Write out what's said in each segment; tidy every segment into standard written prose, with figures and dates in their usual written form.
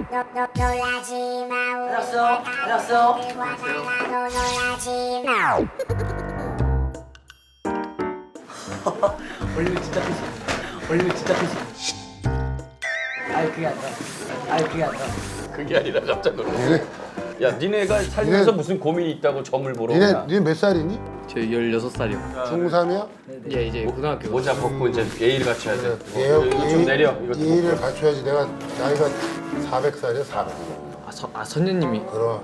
놀라지 마. 알았어. 놀라지 마. 원래 진짜 피시. 아이 그게 아니라. 그게 아니라 깜짝 놀랐어. 야, 니네가 살면서 무슨 고민이 있다고 점을 보러 오나? 니네 몇 살이니? 저 16살이요. 중3이야? 예, 이제 고등학교. 모자 벗고 이제 예의를 갖춰야 돼. 예, 이거 좀 내려. 이거 좀 예의를 갖춰야지. 내가 나이가 400살이야, 400. 선녀님이 그럼.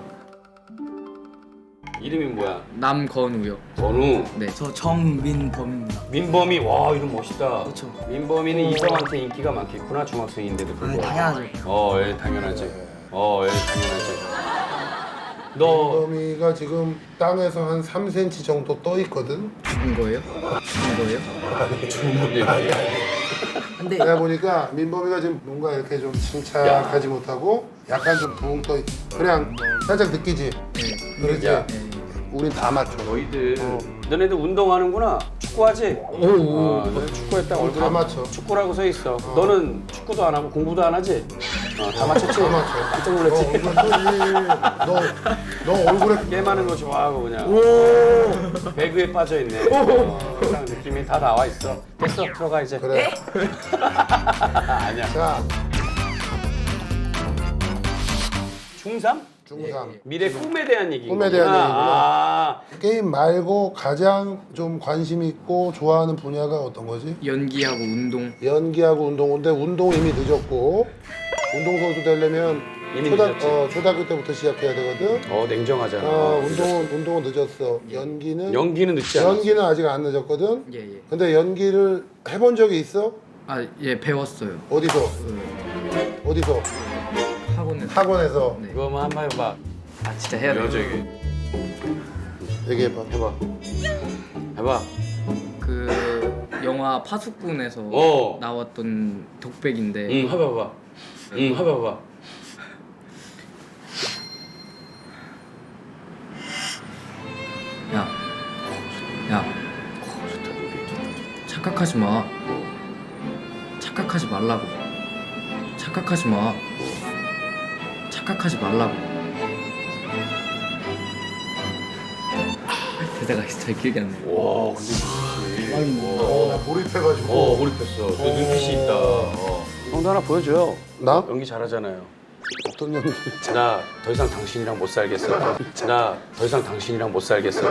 이름이 뭐야? 남건우요. 건우. 네. 저 정민범입니다. 민범이. 와, 이름 멋있다. 그렇죠. 민범이는 이성한테 인기가 많겠구나, 중학생인데도 불구하고. 당연하죠. 예, 당연하지. 당연하지. 너 범이가 지금 땅에서 한 3cm 정도 떠 있거든. 죽은 거예요? 근데 내가 보니까 민범이가 지금 뭔가 이렇게 좀 침착하지 못하고 약간 좀 붕 떠 있. 그냥 살짝 느끼지. 그렇지. 야. 우린 다 맞춰. 너희들 너네들 운동하는구나. 축구하지? 너네 축구했다 얼굴에 다 맞춰. 축구라고 써 있어. 너는 축구도 안 하고 공부도 안 하지? 다 맞췄지? 다 맞춰. 깜짝 놀랐지? 너 얼굴에 게임하는 거 좋아하고 그냥 배그에 빠져 있네. 딱 느낌이 다 나와 있어. 됐어, 들어가 이제. 그래. 아니야. 자, 중3? 중3. 미래 꿈에 대한 얘기. 꿈에 대한 얘기구나. 아, 게임 말고 가장 좀 관심 있고 좋아하는 분야가 어떤 거지? 연기하고 운동. 연기하고 운동인데 운동 이미 늦었고 운동 선수 되려면 이미 늦었지. 초등학교 때부터 시작해야 되거든. 냉정하잖아. 운동은 늦었어. 연기는 늦지 않아. 연기는 아직 안 늦었거든. 예, 예. 근데 연기를 해본 적이 있어? 아, 예, 배웠어요. 어디서? 학원에서. 학원에서. 네. 그거 한번 해봐. 아, 진짜 해야 돼요? 저기 얘기해봐. 해봐. 해봐. 그 영화 파수꾼에서 나왔던 독백인데 응, 해봐봐. 해봐봐. 야, 착각하지 마. 착각하지 말라고. 착각하지 마. 착각하지 말라고. 대사가 잘 기억이 안 나요. 와, 근데 나 몰입해가지고. 몰입했어. 너 눈빛이 있다. 형도 하나 보여줘요. 나? 연기 잘하잖아요. 어떤 연기? 나 더 이상 당신이랑 못 살겠어. 나 더 이상 당신이랑 못 살겠어.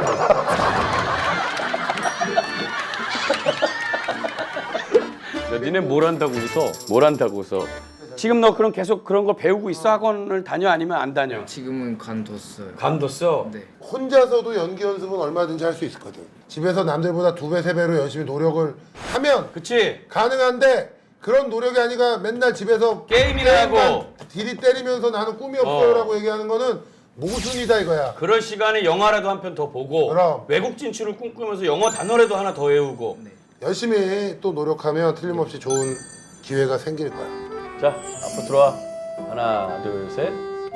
야, 니네 뭘 한다고 웃어? 뭘 한다고 웃어? 지금 너 그럼 계속 그런 거 배우고 있어? 학원을 다녀 아니면 안 다녀? 지금은 관뒀어요. 감뒀어? 네. 혼자서도 연기 연습은 얼마든지 할 수 있거든. 집에서 남들보다 2배, 3배로 열심히 노력을 하면 그치? 가능한데 그런 노력이 아니라 맨날 집에서 게임이나 하고. 게임만 디리 때리면서 나는 꿈이 없어요라고 얘기하는 거는 모순이다 이거야. 그럴 시간에 영화라도 한 편 더 보고 그럼. 외국 진출을 꿈꾸면서 영어 단어라도 하나 더 외우고. 열심히 또 노력하면 틀림없이 좋은 기회가 생길 거야. 자, 앞으로 들어와. 하나, 둘, 셋.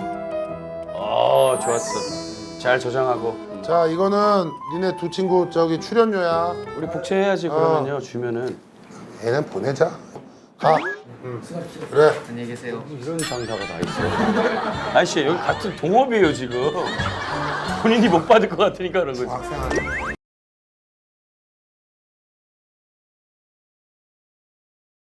좋았어. 잘 저장하고. 자, 이거는 니네 두 친구 저기 출연료야. 우리 복채해야지 그러면요. 주면은. 얘는 보내자. 가. 그래. 안녕히 계세요. 이런 장사가 다 있어. 아저씨 여기 같은 동업이에요 지금. 본인이 못 받을 것 같으니까 그런 거지. 학생한테.